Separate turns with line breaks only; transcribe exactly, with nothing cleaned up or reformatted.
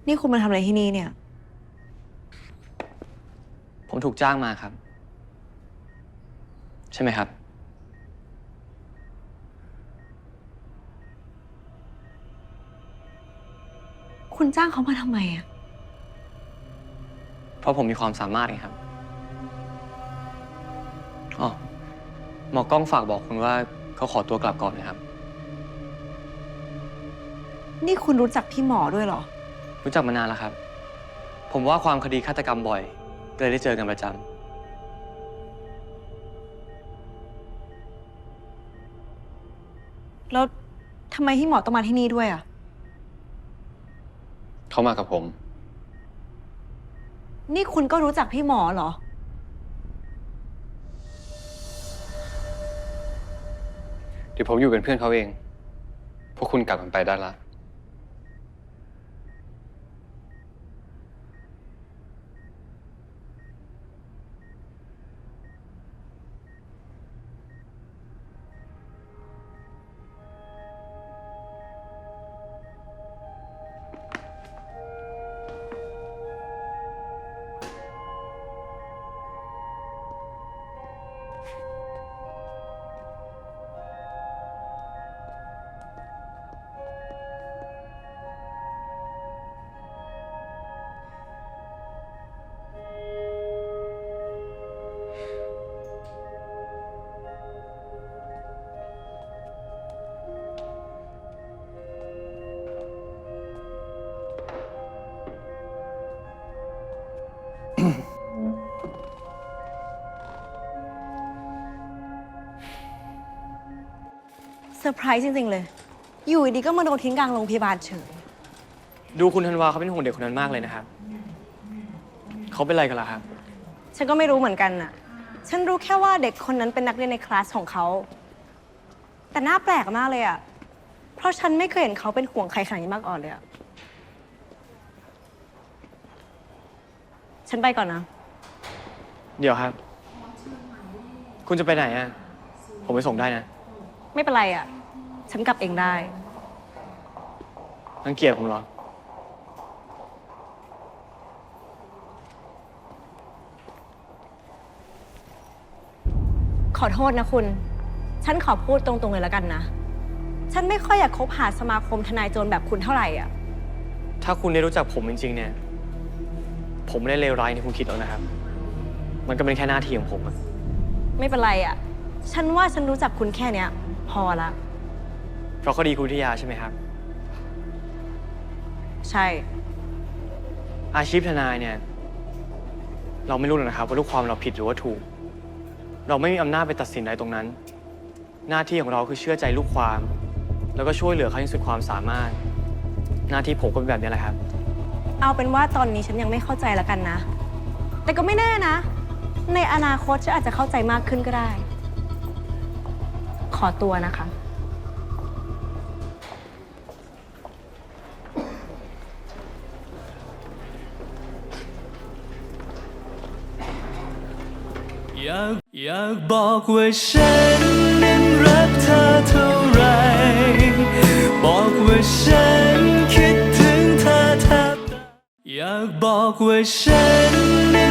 นี่คุณมาทำอะไรที่นี่เนี่ย
ผมถูกจ้างมาครับ ใช่ไหมครับ
คุณจ้างเขามาทำไมอะ
เพราะผมมีความสามารถไงครับอ๋อหมอกล้องฝากบอกคุณว่าเขาขอตัวกลับก่อนนะครับ
นี่คุณรู้จักพี่หมอด้วยเหรอ
รู้จักมานานแล้วครับ ผมว่าความคดีฆาตกรรมบ่อยก็เลยได้เจอกันประจ
แล้วทำไมพี่หมอต้องมาที่นี่ด้วยอะ
เขามากับผม
นี่คุณก็รู้จักพี่หมอเหรอ
เดี๋ยวผมอยู่เป็นเพื่อนเขาเอง พวกคุณกลับกันไปได้ละ
เซอร์ไพรส์จริงๆเลย อยู่ดีๆก็มาโดนทิ้งกลางโรงพยาบาลเฉย
ำ ดูคุณธันวาเขาเป็นห่วงเด็กคนนั้นมากเลยนะครับ เขาเป็นอะไรกันล่ะครับ
ฉันก็ไม่รู้เหมือนกันน่ะ ฉันรู้แค่ว่าเด็กคนนั้นเป็นนักเรียนในคลาสของเขา แต่น่าแปลกมากเลยอะเพราะฉันไม่เคยเห็นเขาเป็นห่วงใครขนาดนี้มาก่อนเลยอะฉันไปก่อนนะ
เดี๋ยวครับ คุณจะไปไหนอ่ะ ผมไปส่งได้นะ
ไม่เป็นไรอะฉันกลับเองได้
รังเกียจผมเหรอ
ขอโทษนะคุณ ฉันขอพูดตรงๆเลยแล้วกันนะ ฉันไม่ค่อยอยากคบหาสมาคมทนายโจรแบบคุณเท่าไหร่อ่ะ
ถ้าคุณได้รู้จักผมจริงๆเนี่ย ผมไม่ได้เลวร้ายที่คุณคิดหรอกนะครับ มันก็เป็นแค่หน้าที่ของผมอะ
ไม่เป็นไรอ่ะ ฉันว่าฉันรู้จักคุณแค่เนี้ย พอละ
เพราะคดีคุณวิทยาใช่ไหมครับ
ใช่
อาชีพทนายเนี่ย เราไม่รู้หรอกนะครับว่าลูกความเราผิดหรือว่าถูก เราไม่มีอำนาจไปตัดสินอะไรตรงนั้น หน้าที่ของเราคือเชื่อใจลูกความ แล้วก็ช่วยเหลือเขาอย่างสุดความสามารถ หน้าที่ผมก็เป็นแบบนี้แหละครับ
เอาเป็นว่าตอนนี้ฉันยังไม่เข้าใจแล้วกันนะ แต่ก็ไม่แน่นะ ในอนาคตฉันอาจจะเข้าใจมากขึ้นก็ได้ ขอตัวนะคะ
อยากอยากบอกว่าฉันนั้นรักเธอเท่าไร บอกว่าฉันคิดถึงเธอแทบตายอยากบอกว่าฉันนั้น